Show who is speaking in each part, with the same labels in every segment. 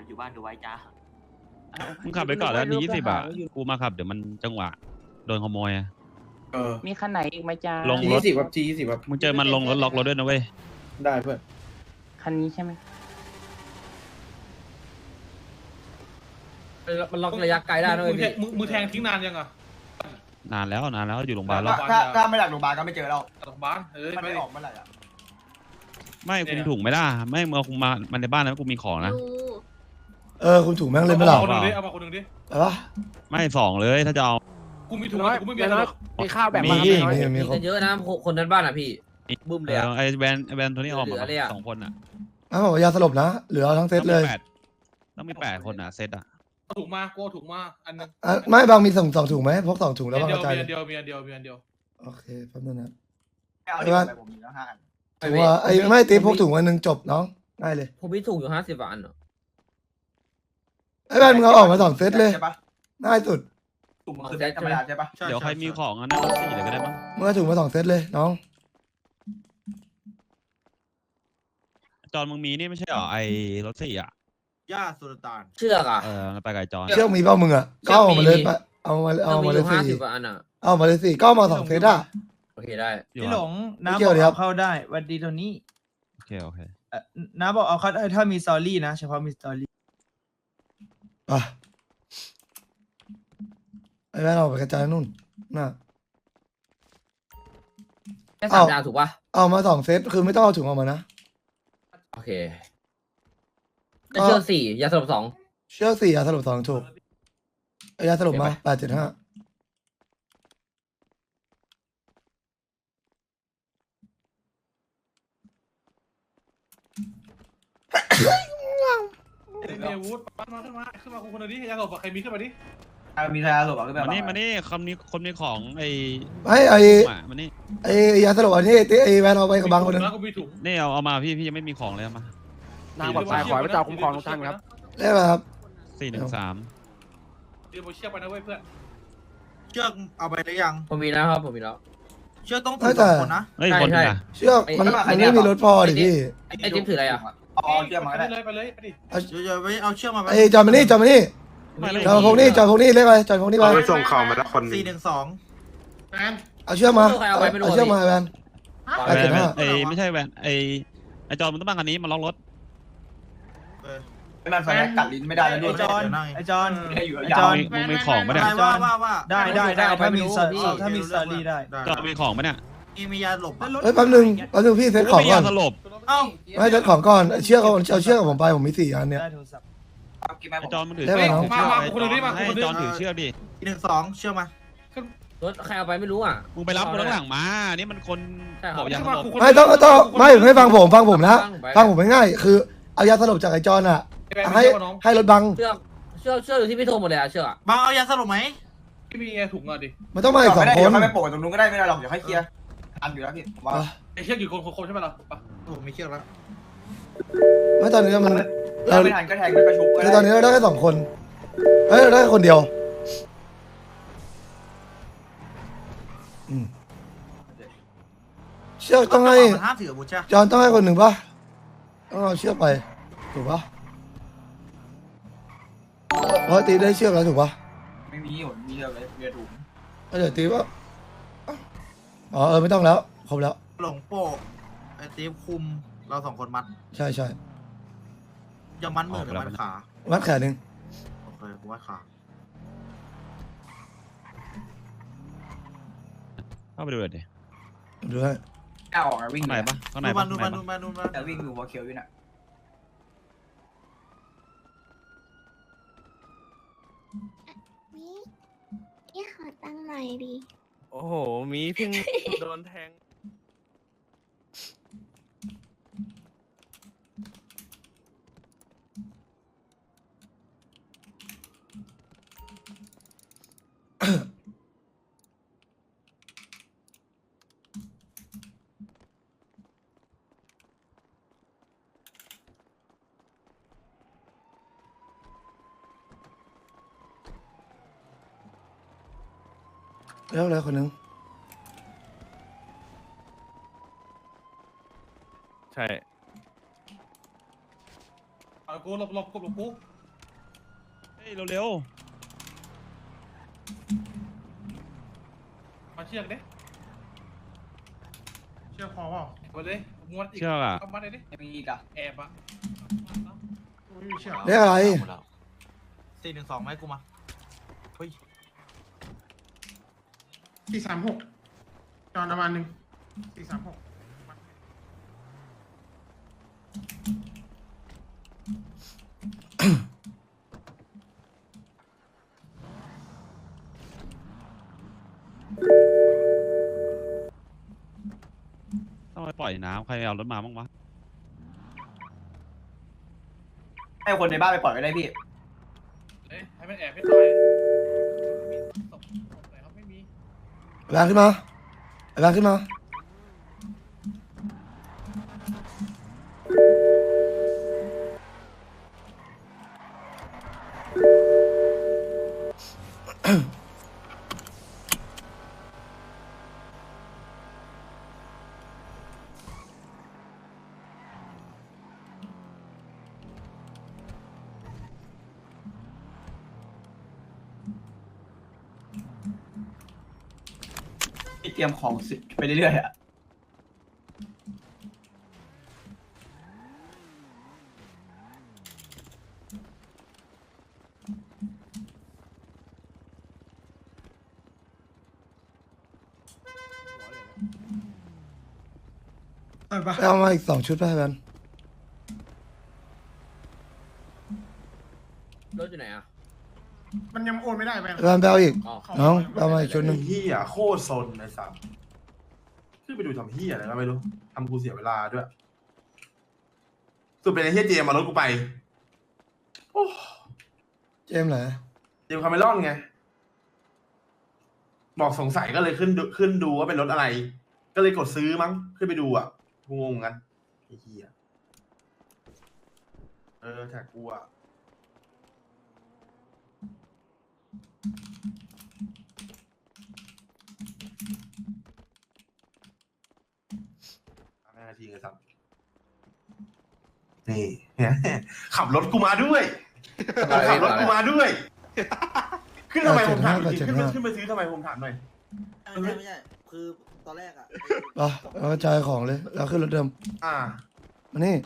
Speaker 1: อยู่บ้านดูไว้จ้า
Speaker 2: มึงขับไปก่อนแล้วนี่20 บาทกูมาขับเดี๋ยวมันจังหวะโดนขโมยอะ
Speaker 3: มีคันไหนอีกไหมจ้า
Speaker 2: ลงรถ
Speaker 4: G20 ครับ G20 ครับ
Speaker 2: มึงเจอมันลงรถล็อกรถด้วยนะเว้ย
Speaker 4: ได้เพื่อน
Speaker 3: คันนี้ใช่ไหม
Speaker 5: มันล็อกระยะไกลได้ด้วยพี่
Speaker 6: มึงแทงทิ้งนานยังอ่ะ
Speaker 2: นานแล้วอยู่โรงพยาบาลแล้ว
Speaker 1: ถ้าไม่หลักโรงพยาบาลก็ไม่เจอเรา
Speaker 6: โรงพยาบาล
Speaker 1: มัน
Speaker 6: ไม่
Speaker 1: ไม่ออกเมื่อไหร่อ่ะ
Speaker 2: ไม่คุมถุงไม่ได้ไม่มึงเอาคุมมามันในบ้านนะกูมีของนะ
Speaker 7: คุณถูกแม่งเลยไม่หลับ
Speaker 6: คนหนึ่งดิเอามาคนหนึ่งดิ
Speaker 7: อะไรวะ
Speaker 2: ไม่2เลยถ้าจะเอา
Speaker 6: กูมีถุงกูไม่มีอะไรหรอก
Speaker 3: มีข้าวแบบ
Speaker 7: มี
Speaker 5: มีกันเยอะนะคนนั้นบ้านอ่ะพี่บึ้มเลยอ่ะ
Speaker 2: ไอแวนตัวนี้ออกมา
Speaker 5: เหลือเลยอะ
Speaker 2: 2 คนอ่ะ
Speaker 7: อ้าวบอกยาสลบนะเหลือทั้งเซตเลย
Speaker 2: ต้องมี8 คนอ่ะเซตอ่ะ
Speaker 6: เอาถุงมากูเอาถุงมาอันนึง
Speaker 7: ไม่บางมีสองถุงไหมพก2 ถุงแล้วบางกระจาย
Speaker 6: มีอันเดียวมีอันเดียว
Speaker 7: โอเคแป๊บนึงนะ
Speaker 1: เอาที่ไปผมมีแล้ว5 อัน
Speaker 7: ถือว่าไอ้ไม่ตีพกถุงอันนึงจบน้องง่ายเลย
Speaker 5: ผมมีถุงอยู่50 บาทเหรอ
Speaker 7: ไอ้บ้านมึงเอาออกมา2 เซตเลย
Speaker 1: ใช่ปะ
Speaker 7: ง่ายสุด
Speaker 1: ถุงมันคือแบงค์ธรรมดาใช่ปะ
Speaker 2: เดี๋ยวใครมีของอันนั้นรถ4เลยก็ได้มั้ง
Speaker 7: มึงเอาถุงมา2 เซตเลยน้อง
Speaker 2: จอนมึงมีนี่ไม่ใช่หรอไอรถ4อ่ะ
Speaker 4: ย่าสุลต่าน
Speaker 5: เชือกอ่ะ
Speaker 2: ไปไก่จอน
Speaker 7: เชือกมีเปล่ามึงอ่ะก็เอามาเลยไปเอามา
Speaker 5: เรามี
Speaker 7: มา
Speaker 5: อ
Speaker 7: เลย
Speaker 5: ยู่
Speaker 7: สี่
Speaker 5: 50 บาทอ่ะ
Speaker 7: เอามาเลย4ก็เอามา2 เซตอ่ะ
Speaker 5: โอเคได้
Speaker 2: อยู่
Speaker 8: พี่หล
Speaker 2: อะ
Speaker 8: งน้า
Speaker 7: ไม่เกี่
Speaker 8: บ
Speaker 7: ย
Speaker 8: อ
Speaker 7: ว
Speaker 8: ก
Speaker 7: ดิครับ
Speaker 8: เอาเข้าได้หวันดีโทนี่
Speaker 2: โอเค
Speaker 8: น้าบอกเอาเข้าได้ถ้ามีสตอรี่นะเฉพาะมีสตอรี่
Speaker 7: อ่ะไอ้แม่เราไปกระจายนู่นน่ะ
Speaker 5: แค่
Speaker 7: อ้าว
Speaker 5: 3 ดาวถูกป่ะ
Speaker 7: เอามา2 เซตคือไม่ต้องเอาถุงออกมานะ
Speaker 5: โอเคเชือก4ยาสลบ2
Speaker 7: เชือก4ยาสลบ2ถูกไอ้ยาสลบมา875
Speaker 6: มีอาวุธมาขึ้นมาคนหนึ่งดิยาหลบใครมีขึ้นมาดิ
Speaker 1: มีใครเอาหลบขึ้นไป
Speaker 2: มานี่คำนี้คนมีของไอ
Speaker 7: ไอ้
Speaker 2: มานี่
Speaker 7: ไอ้ยาสลบอันนี้ไอ้แวนเอาไปกับบางคนนึง
Speaker 6: กูมีถุง
Speaker 2: นี่เอามาพี่ยังไม่มีของเลยเอามา
Speaker 3: น้ำปลอดภัยขอให้พระเจ้าคุ้มครองทุกท่านครับ
Speaker 7: ได้ไหมครับ
Speaker 2: 413
Speaker 6: เดี๋ยวเชือกไปนะเว้ยเพื่อน
Speaker 4: เชือกเอาไปหรือยัง
Speaker 5: ผมมีแล้วครับผมมีแล้ว
Speaker 4: เชือกต้องถือ2 คนนะ
Speaker 2: เฮ้ย
Speaker 5: ใช่
Speaker 2: คนนึง
Speaker 5: ใช่
Speaker 2: อ่ะ
Speaker 7: เชือกมันไม่มีรถพอดิพี่
Speaker 5: ไอ้จิ๊บถืออะไรอ่ะ
Speaker 1: อ๋อเชือกมาก็ได้
Speaker 6: ไปเลยไปดิ
Speaker 4: เดี๋ยวไปเอาเชือกมา
Speaker 7: ไอ้จอมมานี่จอมนี่จอมพงนี่จอมพงนี่เรียกไปจอมพงนี่ไป
Speaker 9: ไปส่งของมาแล้วคน
Speaker 4: 412
Speaker 6: แมน
Speaker 7: เอาเชือกมาเอาเชือกมาแวน
Speaker 2: แวนไอไม่ใช่แวนไอจอนมันต้องบ้างอันนี้มาล็อกรถ
Speaker 1: มันไฟกัดลิ้นไม่ได้แล้วด้วย
Speaker 8: ไอจอนไอจอน
Speaker 1: อยู่
Speaker 8: ไอ
Speaker 1: ยา
Speaker 8: จ
Speaker 1: ว
Speaker 8: อน
Speaker 2: มึงมีของปะเนี่ย
Speaker 4: ว่า
Speaker 8: ได้ถ้ามีสตอรี่ได้
Speaker 2: จอนมีของปะเนี่ย
Speaker 4: มียาหลบ
Speaker 7: เฮ้ยแป๊บนึงพี่เซ็ตของก่อน
Speaker 2: สลบ
Speaker 4: เอ้า
Speaker 7: ไม่เซ็ตของก่อนเชือกเอาเชือกกับผมไปผมมี4 อันเนี่ย
Speaker 8: ได้โทรศัพท์
Speaker 1: กินไหม
Speaker 2: ไอจอนมันถือ
Speaker 7: ได้ไหมน้อง
Speaker 2: ให้จอนถือเชือกดิ
Speaker 4: 412เชือกมาร
Speaker 5: ถใครเอาไปไม่รู้อ่ะ
Speaker 2: มึงไปรับคนข้างหลังมานี่มันคนบอกอย่างสลบ
Speaker 7: ไม่ต้องไม่ให้ฟังผมนะฟังผมง่ายๆคือเอายาสลบจากไอ้จอนอ่ะให้รถบัง
Speaker 5: เชือกอยู่ที่พี่โทรหมดเลยอ่ะเชือกอ่ะ
Speaker 4: บางเอายาสลบไหม
Speaker 6: ที่มีถุงอ่ะดิ
Speaker 7: มันต้องมาอีก2 คน
Speaker 1: เดี๋ยวไม่โปะตรงนู้นก็ได้ไม่ได้หรอกเดี๋ยวให้เคลียร์อันอยู่แล้วพี่ผมว่า
Speaker 6: ไอ้เชือกอยู่คนใช่ไหมล่ะ
Speaker 4: ผมมีเชือกแล้ว
Speaker 7: ไม่ตอนนี้มัน
Speaker 1: เราไม่ทันก็แทงมันกระชุบ
Speaker 7: คือตอนนี้เราได้แค่2 คนเฮ้ยเราได้คนเดียวเชือกต้องให้
Speaker 4: ห้ามถืออาวุธใช่
Speaker 7: จอนต้องให้คนหนึ่งป่ะต้องเอาเชือกไปถูกป่ะเพราะตีได้เชือกแล้วถูกป่ะ
Speaker 1: ไม่มีหนมีเรือเลยเรือถุง
Speaker 7: เดี๋ยวตีว่าอ๋อไม่ต้องแล้วครบแล้ว
Speaker 4: หลงโป้ไอ้ตีฟคุมเรา2 คนมัด
Speaker 7: ใช่
Speaker 4: อย่ามัดมือหรือมัดขา
Speaker 7: มัดแขนหนึ่ง
Speaker 4: โอเคผมมัดขา
Speaker 2: เข้าไปดูเลยดิ
Speaker 7: ดูให้
Speaker 1: ก้าวออกวิ่ง
Speaker 2: ข้างในปะข้างใน
Speaker 4: ดู
Speaker 2: ปะ
Speaker 4: มัน
Speaker 1: แต่วิ่งอยู่หัวเขียวอยู่น่ะ
Speaker 10: นี่ขอตั้งหน่อยดิ
Speaker 3: โอ้โห มีเพิ่งโดนแทง
Speaker 7: แล้วอะไรคนหนึ่ง
Speaker 3: ใช่
Speaker 6: กูหลบกู
Speaker 2: เร็ว
Speaker 6: มาเชือกดิเชือกพอเปล่ามาเลยม้วนอีก
Speaker 2: เชือกอะ
Speaker 6: เอามาเลยดิ
Speaker 1: มีอีกอะ
Speaker 6: แอบอะไม่มีเชือก
Speaker 7: เรียกอะไร
Speaker 4: 412ไหมกูมาเฮ้ย
Speaker 6: 436จอนประมาณ1 436
Speaker 2: ต้องไปปล่อยน้ำใครเอารถมาบ้างวะ
Speaker 1: ให้คนในบ้านไปปล่อยก็ได้พี่
Speaker 6: เอ้ยให้มันแอบให้ตายมีศพไหนครับไม่มี
Speaker 7: แบงขึ้นมาแบงขึ้นมา
Speaker 1: เตรียมของสิไปเรื่อยๆอะ
Speaker 7: ไปเอามาอีก2 ชุดไปแบน
Speaker 5: รถอยู่ไหนอ่ะ
Speaker 6: มันยังโอนไม่ได้แบง
Speaker 7: แบนไปเอาอีก
Speaker 5: อ๋อ
Speaker 7: น้องไปเอามาอีกชุดหนึ่ง
Speaker 9: เฮียโคตรซนไอ้สัสขึ้นไปดูทำเฮียอะไรก็ไม่รู้ทำกูเสียเวลาด้วยสุดเป็นไอ้เฮียเจมมารถกูไปโอ้
Speaker 7: เจมส์เหรอ
Speaker 9: เจมคาเมรอนไงบอกสงสัยก็เลยขึ้นดูว่าเป็นรถอะไร ก็เลยกดซื้อมั้งขึ้นไปดูอ่ะกูงงกันไอ้เฮียแท็กกูอ่ะ5 นาทีเลยครับนี่ ขับรถกูมาด้วยขับรถกูมาด้วย ขึ้นทำไมผมถามจริงขึ้นไปซื้อทำไมผมถามหน่อย
Speaker 4: ไม่ใช่คือตอนแรกอะ
Speaker 7: ไปเอาจ่ายของเลยแล้วขึ้นรถเดิม
Speaker 9: อ่า
Speaker 7: มานี่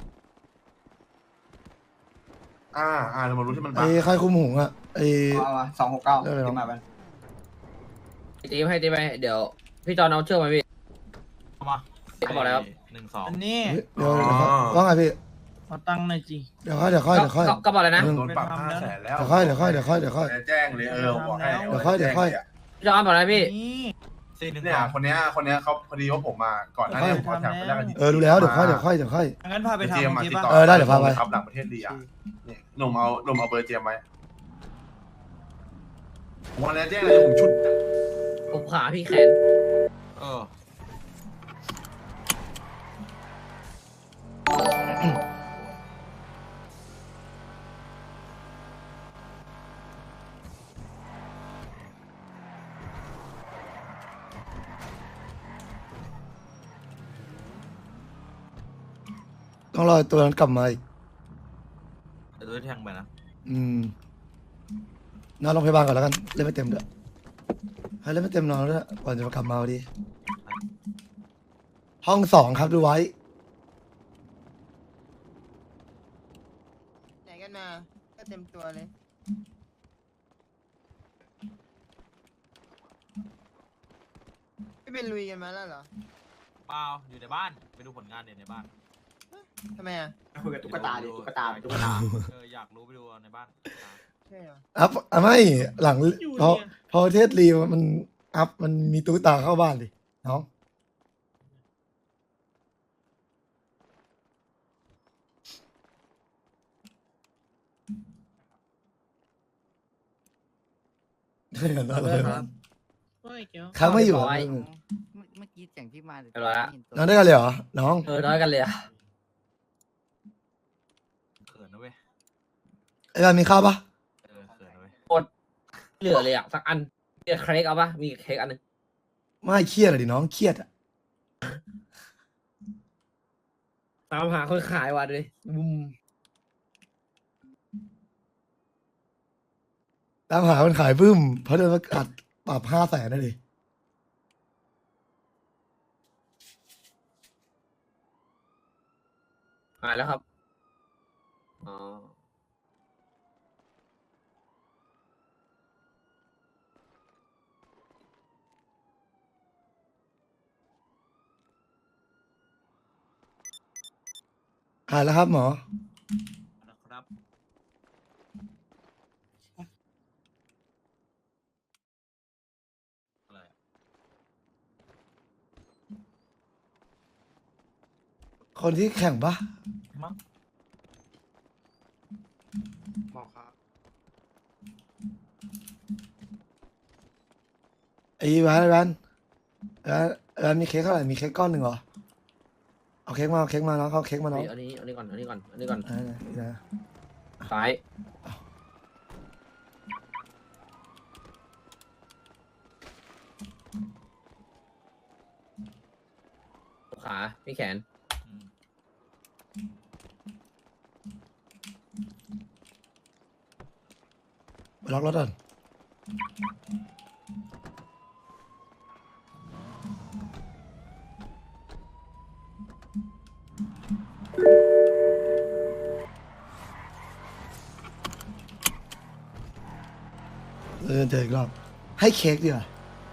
Speaker 9: เรามารู้ที่มัน
Speaker 7: ไอ้ค่ายคุมหุงอ่ะไอ้
Speaker 1: เอามา269
Speaker 7: เรื่องอะไรวะ
Speaker 1: ที่มาแบน
Speaker 5: ตีไปให้ตีไปเดี๋ยวพี่จอนเอาเชือกมาพี่
Speaker 4: เอามา
Speaker 5: เขาบอกแล้ว
Speaker 8: อันนี้
Speaker 7: เดี๋ยวว่าไงพี่
Speaker 8: ขอตังค์หน่อยจี
Speaker 7: เดี๋ยวค่อย
Speaker 5: ก็บอกเลยนะ
Speaker 9: โดนปรับ500,000แล้ว
Speaker 7: เดี๋ยวค่อย
Speaker 9: แจ้งเลยบอกให้
Speaker 7: เดี๋ยวค่อย
Speaker 5: พี่จอนบอกเลยพี่
Speaker 8: นี่
Speaker 9: เนี่ยคนเนี้ยเขาพอดีว่าผมมาก่อนหน้านี้ผมขอแถมไปแล้วกัน
Speaker 7: ดูแล้วเดี๋ยวค่อย
Speaker 8: งั้นพาไป
Speaker 9: เจม
Speaker 8: ทำ
Speaker 9: มา
Speaker 8: โอเค
Speaker 9: ติด
Speaker 8: ป่ะ
Speaker 9: ต่อ
Speaker 7: ได้เดี๋ยวพาไป
Speaker 9: ครับหลังประเทศดีอ่ะนี่หนุ่มเอาเบอร์เจมไว้วันนี้แจ้งเลยผมชุด
Speaker 5: ผมขาพี่แขน
Speaker 7: ต้องรอตัวนั้นกลับมาอีก
Speaker 4: เดี๋ยวแทงไปนะ
Speaker 7: นอนโรงพยาบาลก่อนแล้วกันเล่นไม่เต็มด้วยให้เล่นไม่เต็มนอนด้วยก่อนจะมากลับมาพอดีห้อง2ครับดูไว้
Speaker 8: ไหนกันมาก็เต็มตัวเลยไม่เป็นลุยกันมาแล้วเหรอ
Speaker 4: เปล่าอยู่ในบ้านไปดูผลงานเนี่ยในบ้าน
Speaker 8: ทำไมอ่ะ
Speaker 1: คุยกับตุ๊กตาดิตุ๊กตา
Speaker 4: อยากรู้ไปดูในบ้าน
Speaker 8: ใช่เหรอ
Speaker 7: ไม่หลังพอประเทศลีมันอัพมันมีตุ๊กตาเข้าบ้านดิน้องเดี๋ยวนะครับค้างไม่อยู่
Speaker 5: เรียบร้อย
Speaker 3: เมื่อกี้เสียงพี่มา
Speaker 5: เรียบร้อยละ
Speaker 7: นอนด้วยกันเลยเหรอน้อง
Speaker 5: น้อยกันเลยอะ
Speaker 4: เขินนะเว้ย
Speaker 7: ไอ้บ้านมีข้าวปะ
Speaker 4: เขินนะเว้ย
Speaker 5: เหลือเลยอ่ะสักอันเค้กเอาปะมีเค้กอันนึง
Speaker 7: ไม่เครียดอะดิน้องเครียดอะ
Speaker 5: ตามหาคนขายว่ะด้วย
Speaker 7: บุมตามหาคนขายบึ้มเพราะโดนประกาศปรับ500,000นั่นเอง
Speaker 5: หายแล้วครับอ๋อ
Speaker 7: หายแล้วครับหมอ
Speaker 6: นะครับ
Speaker 7: คนที่แข่งปะ
Speaker 4: หมอครับ
Speaker 7: ไอ้แวนมีเค้กเท่าไหร่มีเค้กก้อนหนึ่งเหรอเอาเค้กมาเอาเค้กมาน้องเอาเค้กมาน้อง
Speaker 5: อันนี้ก่อนอันนี้ก่อนอันนี้ก่อน
Speaker 7: นี่นะ
Speaker 5: ซ้ายขาพี่แขน
Speaker 7: ไปล็อกรถก่อนเจออีกรอบให้เค้กดีกว่า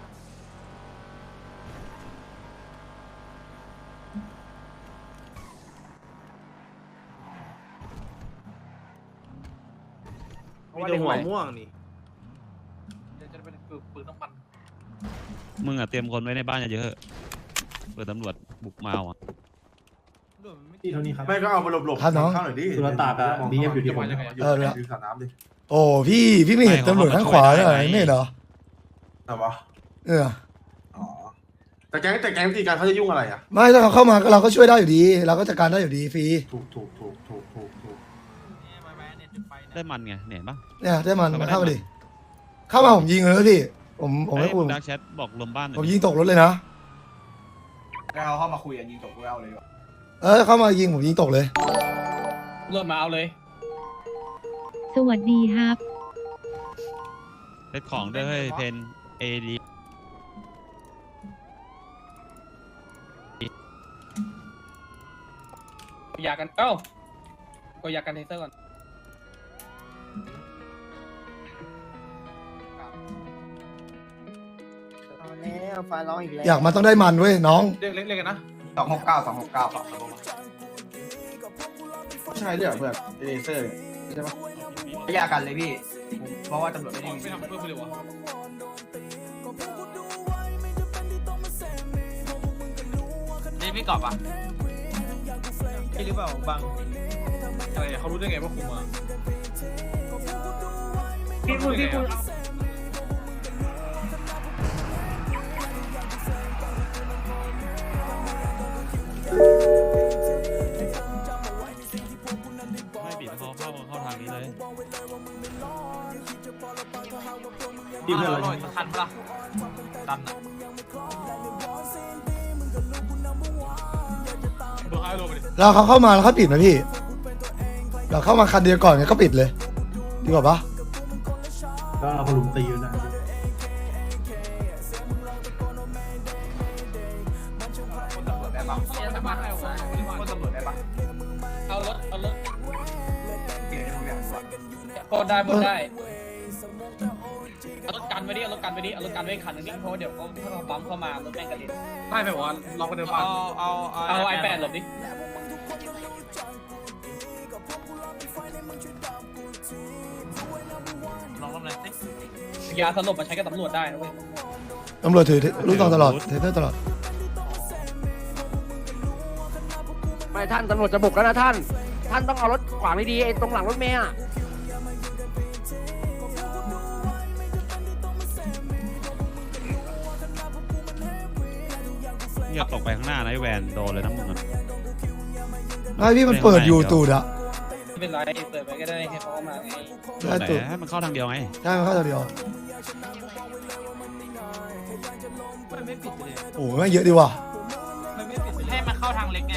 Speaker 4: มีแต่หัวม่วงนี่
Speaker 6: จะเป็นปืนน้ำมัน
Speaker 2: มึงอะเตรียมคนไว้ในบ้านเยอะๆเปิดตำรวจบุกมาอ่ะ
Speaker 9: ที่เท่านี้ครับไม่ก็เอาไปหลบๆ
Speaker 7: ครับน้อง
Speaker 9: เข้าหน่อยดิสุรตากับบีเอ็มอยู่ที่ผม
Speaker 7: อยู่สระน้ำดิโอ้พี่ไม่เห็นตำรวจข้างขวาเลยไม่เห็นเหรอ
Speaker 9: แต่ว่า อ๋อแต่แก๊งตีกันเขาจะยุ่งอะไรอ่ะ
Speaker 7: ไม่ถ้าเขาเข้ามาก็เราก็ช่วยได้อยู่ดี เราก็จัดการได้อยู่ดีฟรี
Speaker 9: ถูก
Speaker 2: ได้มันไงเนี่ยเห็นปะ
Speaker 7: เนี่ยได้มันเข้ามาดิเข้ามาผมยิงเลยพี่ผมไม่
Speaker 2: ไอ้
Speaker 7: พูด
Speaker 2: ดักแชทบอกลมบ้านหน่อย
Speaker 7: ผมยิงตกรถเลยนะ
Speaker 1: แล้วเขาเข้ามาคุยกันยิงตกกูเอาเลยดีกว่า
Speaker 7: เข้ามายิงผมยิงตกเลย
Speaker 6: เริ่มมาเอาเลย
Speaker 10: สวัสดีครับ
Speaker 2: เซ็ตของด้วยเฮ้ยเพนเอดี
Speaker 6: อยากกันเอ้าก็อยากกันเทเซอร์ก่อน
Speaker 8: เอาแล้วฟ้าร้องอีกแล้ว
Speaker 7: อยากมาต้องได้มันเว้ยน้อง
Speaker 6: เรียกกันนะ
Speaker 1: 269ครับใช่เรื่องเพื่อนเลเซอร์ใช่ปะไม่ยากกันเลยพี่เพราะว่าตำรวจไม่ได้
Speaker 6: ไม่ทำเพื่อเพื่อนวะ
Speaker 3: นี่พี่กอบอ่ะ
Speaker 6: พี่หรือเปล่าบังอะไรเขารู้ได้ไงว่าคุมอ่ะพี่พูด
Speaker 2: ไม่ปิดเขาเข้าทางนี้เลย
Speaker 9: ที่เพื่อนเรา
Speaker 3: ทันปะตันอ่ะ
Speaker 6: เบอร์ไฮโลไปดิ
Speaker 7: เราเขาเข้ามาแล้วเขาปิดนะพี่ เราเข้ามาคันเดียวก่อนเนี่ยก็ปิดเลย ดีกว่าปะ
Speaker 9: ก็เอาคนลุมตีอยู่นะ
Speaker 1: คนตำรวจได้ปะคนตำรวจได้ปะ
Speaker 6: เอารถ
Speaker 1: เปลี่ยนทุกอย่างก่อน
Speaker 6: ปนได้เอารถกันไว้ดิเอารถกันไว้คันนึงเพราะเดี๋ยวเขาถ้าเราปั๊มเข้ามารถแม่งกระเด็นได้ไหมวะลองไปเดินบ้านเอาไอแปดหลบดิลองทำอะไรสิยาสลบมาใช้กับตำรวจได้นะเว้ย
Speaker 7: ตำรวจถือลูกซองตลอดเทเตอร์ตลอด
Speaker 3: ไม่ท่านตำรวจจะบุกแล้วนะท่านต้องเอารถขวางดีๆไอ้ตรงหลังรถเมย์อ่ะ
Speaker 2: อย่าตกไปข้างหน้านะไอ้แวนโดนเลยนะมึงอะ
Speaker 7: ไม่พี่มันเปิดอยู่ตูดอะ
Speaker 6: ไม่เป็นไรเปิดไปก็ได้ให้เขามาไง
Speaker 2: โดนไหนให้มันเข้าทางเดียวไง
Speaker 7: ใช่มันเข้าตัวเดียวโอ้ไม่เยอะดีว่ะ
Speaker 3: ให้มันเข้าทางเล็กไง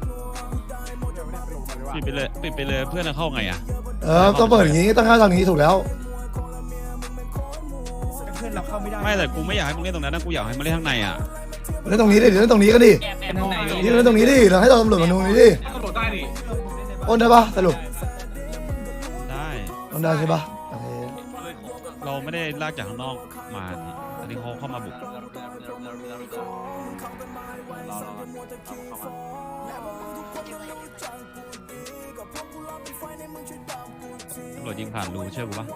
Speaker 2: ปิดไปเลยเพื่อนจะเข้าไงอ่ะ
Speaker 7: ต้องเปิดอย่างนี้ต้องเข้าทางนี้ถูกแล้ว
Speaker 3: เราเข้าไม่ได้
Speaker 2: ไม่แต่กูไม่อยากให้มึงเล่นตรงนั้นนะกูอยากให้มึงเล่นข้างในอ่ะ
Speaker 7: เล่นตรงนี้ดิเล่นตรงนี้ก็ดิ
Speaker 6: แอบข้างใน
Speaker 7: นี่เล่นตรงนี้ดิเราให้ตำรวจมาดูนี่ดิ
Speaker 6: ตำรวจได้ดิ
Speaker 7: โอนได้ปะสรุป
Speaker 2: ได้
Speaker 7: โอนได้ใช่ปะโอเค
Speaker 2: เราไม่ได้ลากจากข้างนอกมานี่อันนี้เขาเข้ามาบุกตำรวจยิงผ่านรูเชื่อกูปะ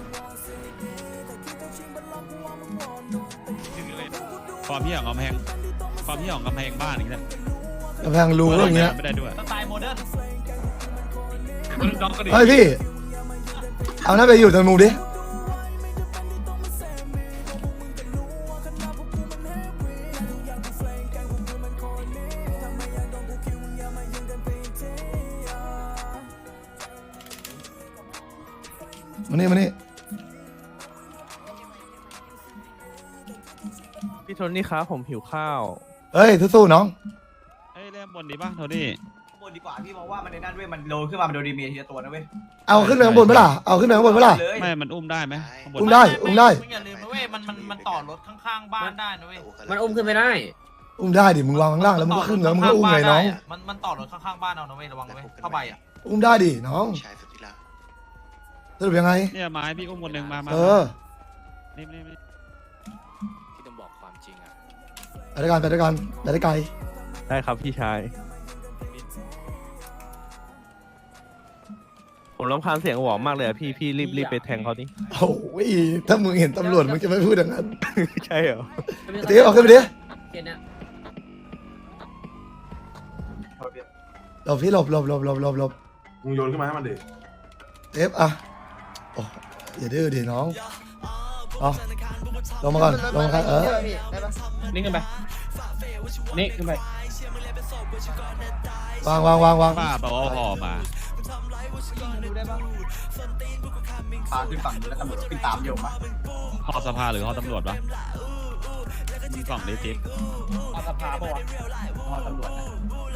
Speaker 2: ความพี่ของกำแพงบ้านอย่างเงี้ย
Speaker 7: กำแพงรูก็อย่างเงี้ย
Speaker 2: ไม่ได้ด้วย
Speaker 6: สไตล์โมเดิร์น
Speaker 7: เฮ้ยพี่เอาหน้าไปอยู่ตรงมุมดิมานี่
Speaker 3: พี่โทนี่ครับผมหิวข้าว
Speaker 7: เฮ้ยสู้ๆน้อง
Speaker 2: เฮ้ยเล่นบนดีป่ะโทนี่
Speaker 1: บนดีกว่าพี่มองว่ามันในนั่นเว้ยมันโดนขึ้นมามันโดนดีเมียทีละตัวนะเว้ย
Speaker 7: เอาขึ้นไปข้างบนไหมล่ะเอาขึ้นไปข้างบนไหมล่ะ
Speaker 1: เลย
Speaker 2: ไม่มันอุ้มได้ไหมข้างบน
Speaker 7: อุ้มได้
Speaker 6: อย่าลืมนะเว้ยมันต่อรถข้างๆบ้านได้นะเว้ย
Speaker 5: มันอุ้มขึ้นไม่ได้
Speaker 7: อุ้มได้ดิมึงวางข้างล่างแล้วมึงก็ขึ้นแล้วมึงก็อุ้มเลยน้อง
Speaker 6: มันต่อรถข้างๆบ้านเอานะเว้ยระวังนะเว้ยเข้าไปอ่ะ
Speaker 7: อุ้มได้ดิน้องสรุปยังไง
Speaker 2: เนี่ยไม้พี่อุ้มคนหนึ่งมา
Speaker 7: เออ
Speaker 2: นี่
Speaker 3: ที่ต้องบอกความจริงอ่ะ
Speaker 7: ไปด้วยกันไปได้ไกล
Speaker 3: ได้ครับพี่ชายผมรำคาญเสียงหวอมมากเลยอะพี่รีบไปแทงเขาดิ
Speaker 7: โอ้ยถ้ามึงเห็นตำรวจมึงจะไม่พูดอย่างนั้น
Speaker 3: ใช่เหรอ
Speaker 7: เดี๋ยวเอาขึ้นไปดิ
Speaker 5: เกณฑ์เนี้ย
Speaker 7: หลบพี่หลบ
Speaker 9: มึงโยนขึ้นมาให้มันดิ
Speaker 7: เอฟอ่ะโอ้อย่าดื้อดิน้องเอาลงมาก่อนเออ
Speaker 8: ได้ปะ
Speaker 6: นี่ขึ้นไปนี่ขึ้นไป
Speaker 7: วาง
Speaker 2: ป้าเปล่าเอาห่อมา
Speaker 1: พาขึ้นฝั่งนู้นแล้วตำรวจขึ้นตามโยมปะ
Speaker 2: ห่อสภาหรือห่อตำรวจวะกล่องเล็กจิ๊ก
Speaker 6: เอาสภาปะวะ
Speaker 1: พอตำรวจนะ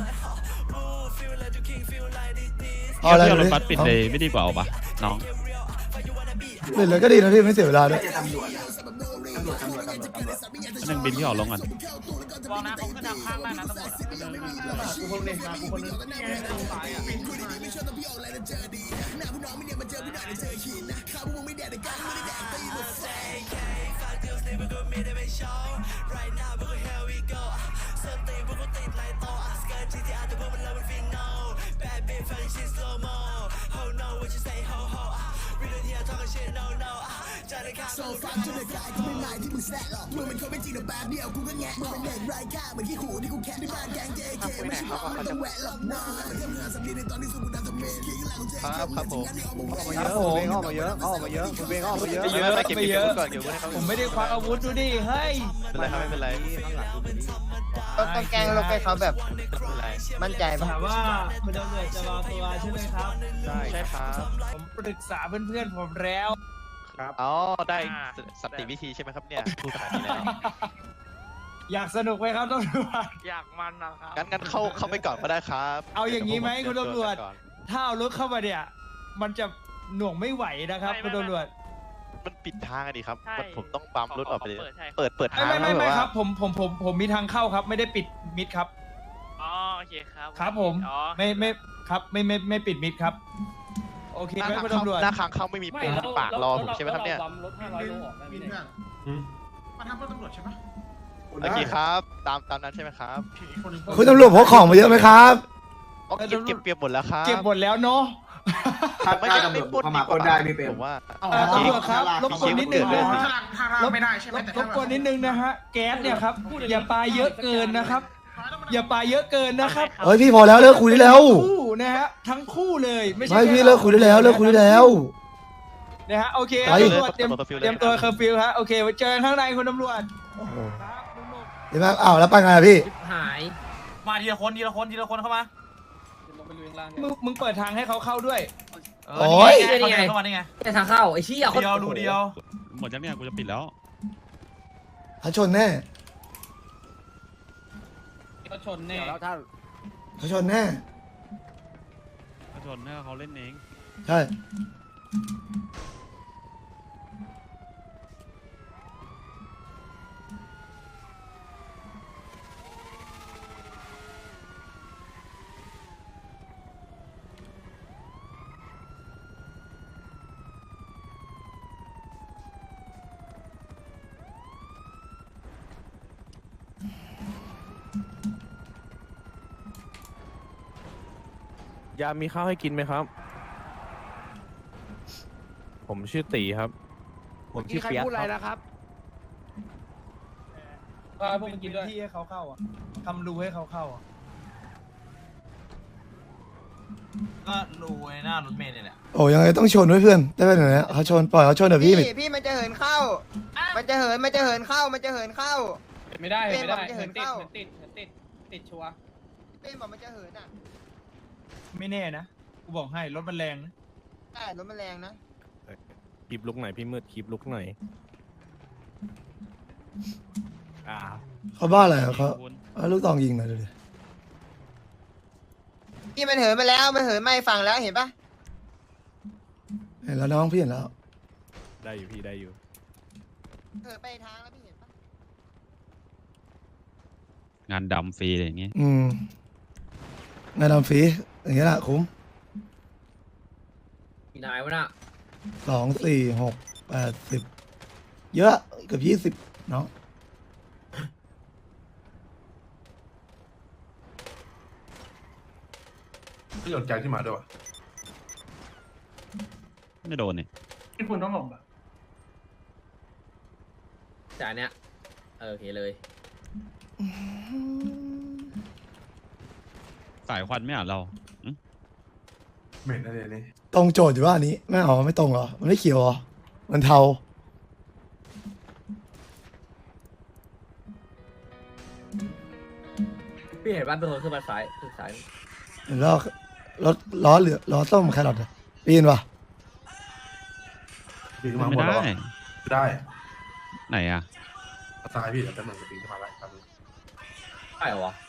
Speaker 7: เอาอะไร
Speaker 2: เที่ยวร
Speaker 7: ดิ
Speaker 2: ถบัสปิดเลยไม่ดีกว่าเอาปะน้อง
Speaker 7: ปิดเลยก็ดีนะพี่ไม่เสียเวลาด้วย
Speaker 1: ไม่ใช่ตำรวจนะตำรวจ
Speaker 2: อันนึงบินที่ออกลงก่อน
Speaker 6: วางนะเขาขึ้นทางข้างได้นะตำรวจกูคนนึงนะกูคนนึงตายอ่ะ
Speaker 3: ครับผมออกมาเยอะคุณเบงออกมาเยอะ
Speaker 6: เยอะไปเยอะผมไม่ได้ควักอาวุธดูดิเฮ้ย
Speaker 3: ไม่เป็นไร
Speaker 8: ต้องแกล้งลงไปเขาแบบมั่นใจปะ
Speaker 6: ถามว่าคุณตำรวจจะรอตัวใช่ไหมครับ
Speaker 3: ใช่ครับ
Speaker 6: ผมปรึกษาเพื่อนๆผมแล้ว
Speaker 3: อ๋อได้สันติวิธีใช่ไหมครับเนี่ยพูดขนาดนี้แล้ว
Speaker 6: อยากสนุกไหมครับตำรวจ
Speaker 3: อยากมันนะครับงั้นเข้าไปก่อนก็ได้ครับ
Speaker 6: เอาอย่างนี้ไหมคุณตำรวจ ถ้าเอารถเข้ามาเนี่ย มันจะหน่วงไม่ไหวนะครับคุณตำรวจ
Speaker 3: มันปิดทางอะดิครับผมต้องปั๊มรถออกไปเลยเปิดทาง
Speaker 6: ไม่ครับผมมีทางเข้าครับไม่ได้ปิดมิดครับ
Speaker 11: อ๋อโอเคครับ
Speaker 6: ครับผม
Speaker 11: อ๋อ
Speaker 6: ไม่ครับไม่ปิดมิดครับ โอเคไหมคุณตำรวจ
Speaker 3: หน้าค้างเข้าไม่มีปูนปากรอผมใช่ไหมครับเนี่ย
Speaker 6: รถ500โลออกได้ไหมเนี่ย
Speaker 9: มาทำเพื่อตำรวจใช่ไหม
Speaker 3: โอเคครับตามนั้นใช่ไหมครับ
Speaker 7: คุณตำรวจพกของมาเยอะไหมครับ
Speaker 3: อ๋อเก็บเปรียบหมดแล้วครับ
Speaker 6: เก็บหมดแล้วเนาะ
Speaker 1: ถ้าตำรวจเข้ามาปล้นได้พี่เปร
Speaker 3: ผม มว่า
Speaker 6: ตำรวจครับรบกวนนิดนึงนะ
Speaker 9: ถ้าเราไม่ได้ใช่ไหมแต่
Speaker 6: รบกวนนิดนึงนะฮะแก๊สเนี่ยครับอย่าปาเยอะเกินนะครับ อย่าปาเยอะเกินนะครับ
Speaker 7: เฮ้ยพี่พอแล้วเลิกคุยได้แล้ว
Speaker 6: คู่นะฮะทั้งคู่เลยไม่ใช่
Speaker 7: ไม่พี่
Speaker 6: แค่
Speaker 7: เลิกคุยได้แล้ว
Speaker 6: นะฮะโอเค
Speaker 7: ไป
Speaker 6: ตำรวจเตรียมตัวเคอร์ฟิวฮะโอเคไว้เจอกันข้างในคุณตำรวจ
Speaker 7: โอ้โห
Speaker 6: ครับลุงหนุ่ม
Speaker 7: ดีมากอ้าวแล้วไปไงอะพี่
Speaker 5: หาย
Speaker 6: มาทีละคนเข้ามามึงเปิดทางให้เขาเข้าด้วย
Speaker 7: โอ้ย
Speaker 6: เขาเดินเข้ามาได้ไง
Speaker 5: แต่ทางเข้าไอ้เชี่ยคน
Speaker 6: เดียวรูเดียว
Speaker 2: หมดยังเนี่ยกูจะปิดแล้ว
Speaker 7: เขาชนแน่
Speaker 6: เขาชนแน่
Speaker 3: แล้วท่าน
Speaker 7: เขาชนแน่
Speaker 2: เขาชนให้เขาเล่นเอง
Speaker 7: ใช่
Speaker 3: ยามมีข้าวให้กินไหมครับ ผมชื่อตีครับ ผมชื่อเปียกครับ
Speaker 6: ก็พวกมึงกินด้วย
Speaker 1: ที่ให้เขาเข้าอ่ะทำรูให้เขาเข้าอ่ะ
Speaker 4: ก็รูไอ้หน้ารถเมล์เนี่ยแหละ
Speaker 7: โอ้ยังไงต้องชนด้วยเพื่อนได้เป็นอย่างนี้เขาชนปล่อยเขาชนเดี๋ยวพี่
Speaker 8: พี่มันจะเหินเข้า มันจะเหินเข้า
Speaker 6: ไม่ได้
Speaker 8: เป้
Speaker 6: ไม่
Speaker 8: บอก
Speaker 6: ได้
Speaker 8: มันจะเหิ
Speaker 6: เหิ
Speaker 8: น
Speaker 6: นติด
Speaker 8: เข้า
Speaker 6: เหินติดเหินติดติดชัวร์
Speaker 8: เป้บอกมันจะเหินอ่ะ
Speaker 1: ไม่แน่นะกูบอกให้รถมันแรงนะ
Speaker 8: ใช่รถมันแรงนะ
Speaker 3: คลิปลุกไหนพี่มืดคลิปลุกไหน
Speaker 7: เขาบ้าอะไรอะเขาเอาลูกตองยิงหน่อยดูดิ
Speaker 8: พี่มันเหินมาแล้ว มันเหินไม่ฝั่งแล้วเห็นปะ
Speaker 7: เห็นแล้วน้องพี่เห็นแล้ว
Speaker 3: ได้อยู่พี่ได้อยู่
Speaker 8: เหินไปทางแล้วพี่เห็นปะ
Speaker 2: งานดำฟรีอะไรอย่างงี้
Speaker 7: งานดำฟรีอย่างเงี้ยแหละคุ้ม
Speaker 5: มีนายวะน่ะ
Speaker 7: 2 4 6 8 10เยอะเกือบ20เนาะ
Speaker 9: พี่โดนแกงที่มาด้วยวะ
Speaker 2: ไม่โดนเนี่ย
Speaker 6: ที่คุณต้องหลบอ่ะ
Speaker 5: จ่ายเนี้ยโอเคเลย
Speaker 2: สายควันไม่อ่านเรา
Speaker 9: เหม็นอะไรนี่
Speaker 7: ตรงโจทย์อยู่ว่าอันนี้ไม่เอาไม่ตรงเหรอมันไม่เขียวเหรอมันเทา
Speaker 5: พี่เห็นบ้านเป็นคนขึ้นมาซ้ายขึ้นซ้าย
Speaker 7: เห็นแล้วรถล้อเหลือล้อส้มแครอทอะปีนปะ
Speaker 9: ปีนขึ้นมา
Speaker 2: ไม่
Speaker 9: หมดแล้ว
Speaker 2: ได้
Speaker 9: อะได้
Speaker 2: ไหนอ่ะ
Speaker 9: ซ้ายพี่เดี๋ยวจะเหมือนจะปีนขึ้นมาไล่ครับ
Speaker 5: ได้เหรอวะ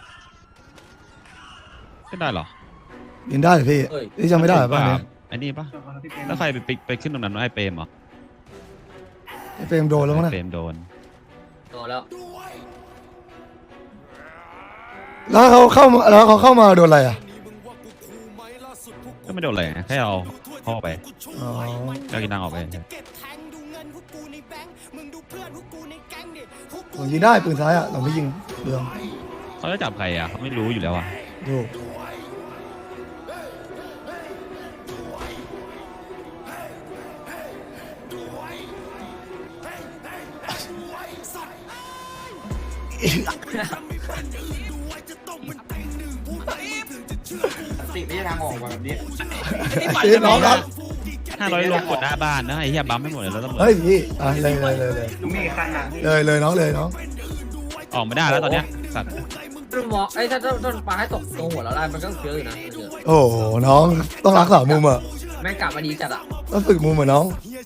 Speaker 2: ไม่ได้เหรอ
Speaker 7: ปีนได้เหรอพี่
Speaker 5: เอ้ย
Speaker 7: พี่จำไม่ได้เหรอป่ะเนี่ย
Speaker 2: ไอ้นี่ปะแล้วใครไปขึ้นตรงนั้นวะไอ้เปรมเหรอ
Speaker 7: ไอ้เฟรมโดนแล้วมั้งนะ
Speaker 2: เปรมโดน
Speaker 5: โดนแล้ว
Speaker 7: แล้วเขาเข้ามาโดนอะไรอ่ะ
Speaker 2: ก็ไม่โดนอะไรแค่เอาพ่อไป
Speaker 7: อ๋อ
Speaker 2: ก็กินนางออกไป
Speaker 7: ผมยิงได้ปืนซ้ายอ่ะเราไม่ยิงเรื่อง
Speaker 2: เขาจะจับใครอ่ะเขาไม่รู้อยู่แล้วอ่ะ
Speaker 7: ดู
Speaker 1: ติไม่ใช่ทางออกว่ะแบบนี้
Speaker 7: เอ้ยน้องครับ
Speaker 2: 500ลงกดหน้าบ้านนะไอ้เหี้ยบัมไม่หมดเลยแล้วตำรวจ
Speaker 7: เฮ้ยพี่อ่ะเลย
Speaker 1: มีคันนะ
Speaker 7: เลยน้องเลยน้อง
Speaker 2: ออกไม่ได้แล้วตอนเนี้ยสัตว์
Speaker 5: ต้นหมอไอ้ถ้าต้นปลาให้ตกตรงหัวเราได้มันก็เยอะอยู่นะเยอะ
Speaker 7: โอ้โหน้องต้องรักษามุมอ่ะ
Speaker 5: แม่งกลับมาดีจัดอ่ะ
Speaker 7: ต้องฝึกมุมอ่ะน้อง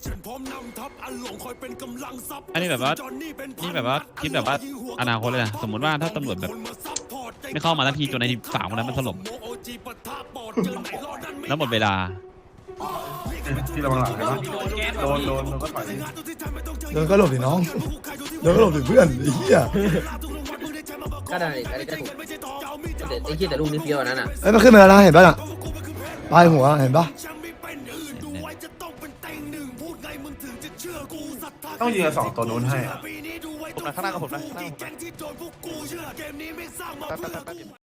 Speaker 2: อันนี้แบบว่านี่แบบว่าคิดแบบว่าอนาคตเลยนะสมมติว่าถ้าตำรวจแบบไม่เข้ามาทันทีจนไอ้สามคนนั้นมันสลบแล้วหมดเวลา
Speaker 9: พี่ระวังหลังเลยนะโดนก็ถอย
Speaker 7: โดนก็หลบดิน้องโดนก็หลบดิเพื่อนไอ้เหี้ย
Speaker 5: ก็ได้อันนี้ก็ถูกแต่ไอ้เหี้ยแต่ลูกนี่เฟี้ยวอันนั้นอ่ะ
Speaker 7: เอ้ยมันขึ้นมาแล้วนะเห็นป่ะน่ะปลายหัวเห็นป่ะ
Speaker 9: ต้องยิงกับ2ตัวนู้นให้อะ
Speaker 3: ผมนะข้างหน้ากับผมนะ